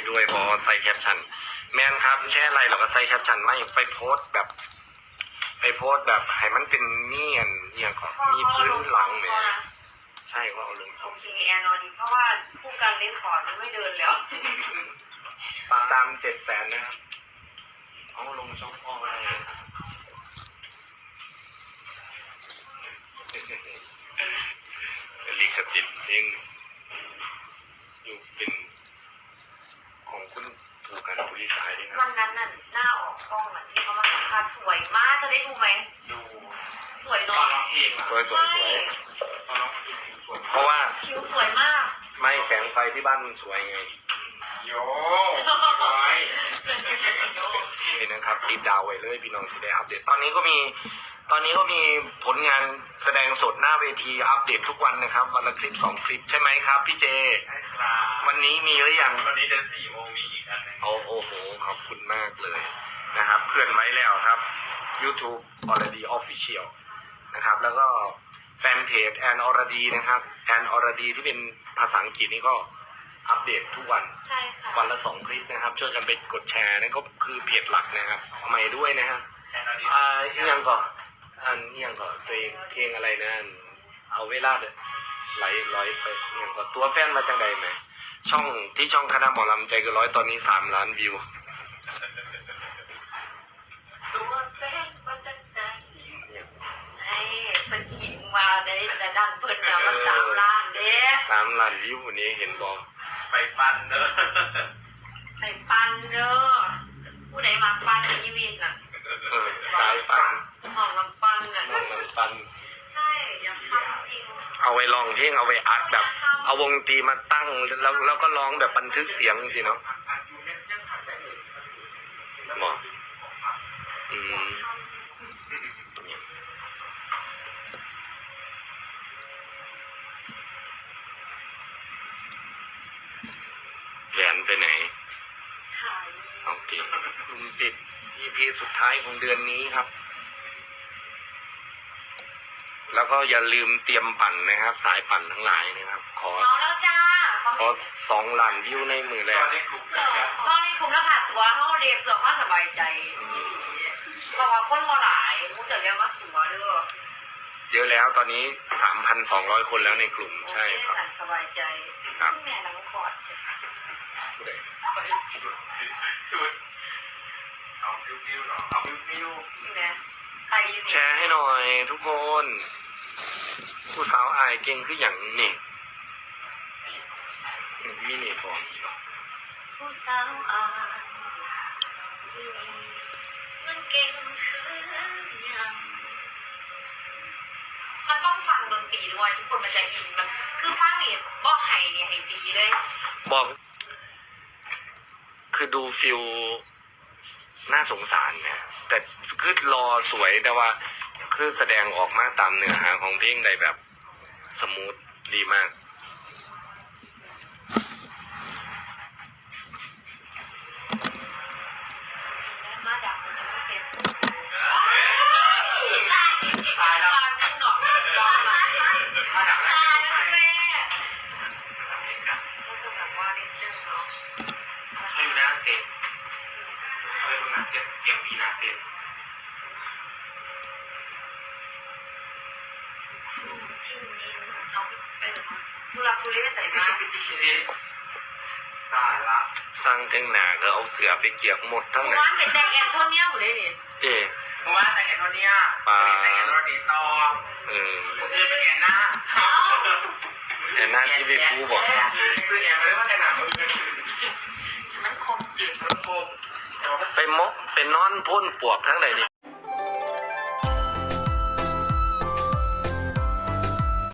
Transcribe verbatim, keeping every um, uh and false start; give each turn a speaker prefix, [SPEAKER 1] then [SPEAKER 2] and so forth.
[SPEAKER 1] ด้วยพอใส่แคปชั่นแมนครับแช่อะไรเราก็ใส่แคปชั่นไม่ไปโพสแบบไปโพสแบบให้มันเป็นเนียนเนียนก่อนมีพื้นหลังเนี่ยใช่ว่าเอาลง
[SPEAKER 2] โอเคแอนนอนดีเพราะว่าผู้การเล่นขอร์ดมันไม่เดินแล้ว
[SPEAKER 1] ตามเจ็ดแสนนะครับเอาลงช่องพ่อได้ลิขสิทธิ์เองอยู่เป็นของคุณถูกกันบริษัทด้วยนะ
[SPEAKER 2] วันนั้นน่ะหน้าออกกล้องอ่ะที่เขามาสัมภาษณ์สวยมากจะได้ดูไหม
[SPEAKER 3] ดู
[SPEAKER 2] สวย
[SPEAKER 3] ตอ
[SPEAKER 2] เนาะ
[SPEAKER 3] นร้องเพลงอะ
[SPEAKER 1] สวยสวยสวย
[SPEAKER 3] ตอนร้องเพลงสวย
[SPEAKER 1] เพราะว่า
[SPEAKER 2] คิ้วสวยมาก
[SPEAKER 1] ไม่แสงไฟที่บ้านมันสวยไง
[SPEAKER 3] โย่สวย
[SPEAKER 1] นี่นะครับติดดาวไว้เลยพี่น้องจะได้อัปเดตตอนนี้ก็มีตอนนี้ก็มีผลงานแสดงสดหน้าเวทีอัปเดตทุกวันนะครับวันละคลิปสองคลิปใช่ไหมครับพี่เจ
[SPEAKER 3] ใช่ครับ
[SPEAKER 1] วันนี้มีหรือยัง
[SPEAKER 3] วันนี้เดี๋ยวสี่โมงมีอีกอันหนึง
[SPEAKER 1] โอ้โอ้โหขอบคุณมากเลยนะครับเคลื่อนไว้แล้วครับ YouTube already official นะครับแล้วก็แฟนเพจแอนอรดีนะครับแอนอรดีที่เป็นภาษาอังกฤษนี่ก็อัปเดตทุกวัน
[SPEAKER 2] ใช่ค่ะ
[SPEAKER 1] วันละสองคลิปนะครับช่วยกันไปกดแชร์นั่นก็คือเพจหลักนะครับใหม่ด้วยนะฮะ
[SPEAKER 3] แค่นั้นเอง
[SPEAKER 1] อ่าอีกอยังก่อนอันอีกอยังก่อนตัวเองเพลงอะไรนะเอาเวลาเด้อไหลลอยไปอีกอยังก่อนตัวแฟนมาจังใดไหมช่องที่ช่องคณะหมอลำใจเกินร้อยตอนนี้สามล้านวิว
[SPEAKER 3] ตัวแฟนมาจากไหน
[SPEAKER 2] ไอ้เป็นขิงมาได้แต่ดันเพิ่นเนี่ยมันสามล้านเด้
[SPEAKER 1] สามล้านวิววันนี้เห็นบอก
[SPEAKER 3] ไปปั้นเนอะ
[SPEAKER 2] ไปปันเด้อผู้ใดมาปันอีวินน่ะ
[SPEAKER 1] เออสายปัน
[SPEAKER 2] ห้องลำปันน่ะ
[SPEAKER 1] น้องน้ำปัน
[SPEAKER 2] ใช่อยากทำจริง
[SPEAKER 1] เอาไว้ลองเพลงเอาไว้อัดแบบ เอาวงดนตรีมาตั้งแล้วแล้วก็ร้องแบบบันทึกเสียงสิเนาะ
[SPEAKER 3] ผัดอยู่เนี่ยยังผัดได้เลย
[SPEAKER 1] หมออืมแหวนไปไหน
[SPEAKER 2] ขาย
[SPEAKER 1] โอเคลุงปิด อี พี สุดท้ายของเดือนนี้ครับ แล้วก็อย่าลืมเตรียมปั่นนะครับ สายปั่นทั้งหลายนะครับ ขอ
[SPEAKER 2] เมาแล้วจ้า
[SPEAKER 1] ขอสองล้านวิวในมือแร
[SPEAKER 3] ตอก นนี้กลุ่มแล้ว
[SPEAKER 2] ห้องนี้กลุ่มแล้วผ่าตัวห้องเรียนเพื่อความสบายใจเพราะว่าคนมาหลายมูจะเรียกว่าตัวเด้อ
[SPEAKER 1] เยอะแล้วตอนนี้ สามพันสองร้อย คนแล้วในกลุ่มใช่ครับ
[SPEAKER 2] สั่นสบายใจ
[SPEAKER 1] ครับ
[SPEAKER 2] แม่นังคอด
[SPEAKER 3] ชุดชุดเอาฟิวฟิวเหรอเอาฟิวฟิว
[SPEAKER 2] นี่นะใครอยู่
[SPEAKER 1] แชร์ให้หน่อยทุกคน ผู้สาวอายเก่งคืออย่างนี่อืมมินิของ
[SPEAKER 2] ผู้สาวอ่านมันเก่งคือยังมันต้องฟังดนตรีด้วยทุกคนมันจะอินมันคือฟังนี่บอกไห้เนี่ยให้ตีเลย
[SPEAKER 1] บอก คือดูฟิลน่าสงสารนะแต่คือรอสวยแต่ว่า คือแสดงออกมาตามเนื้อหาของเพลงได้แบบสมูทดีมาก
[SPEAKER 2] มาจากคนยังไม่เสร็จ
[SPEAKER 3] ตายแล้ว
[SPEAKER 2] ตอนที่หนอกตอนไหน
[SPEAKER 3] มาจากแรก
[SPEAKER 2] ตาย
[SPEAKER 3] เจ
[SPEAKER 2] แล้
[SPEAKER 3] อ
[SPEAKER 2] ว
[SPEAKER 3] ไหน
[SPEAKER 2] แม่ก็จะแบบว่านิดนึงเนาะ
[SPEAKER 3] เขาอยู่หน้าเซตเขาอยู่หน้าเซตเกียงพีหน้าเซต
[SPEAKER 2] ชิ้นนี้เอาไปทุลักทุเลใส่มา
[SPEAKER 3] ตายละ
[SPEAKER 1] สร้างแต่งหนาก็เอาเสือไปเกี่ยวหมดทั้งนั้น
[SPEAKER 2] ร้านเป็นแดงแอนโทเนียหมดเลยนี่
[SPEAKER 1] เอ๊ะ
[SPEAKER 3] เพราะว่าแต่งแอนโทเนียแต่งแอนโทเนียต่อ
[SPEAKER 1] เออ
[SPEAKER 3] คนอื่นเป็นแอนหน้า
[SPEAKER 1] แต่หน้าที่พี่ครูบอก
[SPEAKER 3] ซื้อแอนมาเลยว่าแต่งหน้ามือ
[SPEAKER 2] มันคมจิต
[SPEAKER 3] มันคม
[SPEAKER 1] ไปมกไปนอนพ่นปวกทั้งไหนนี่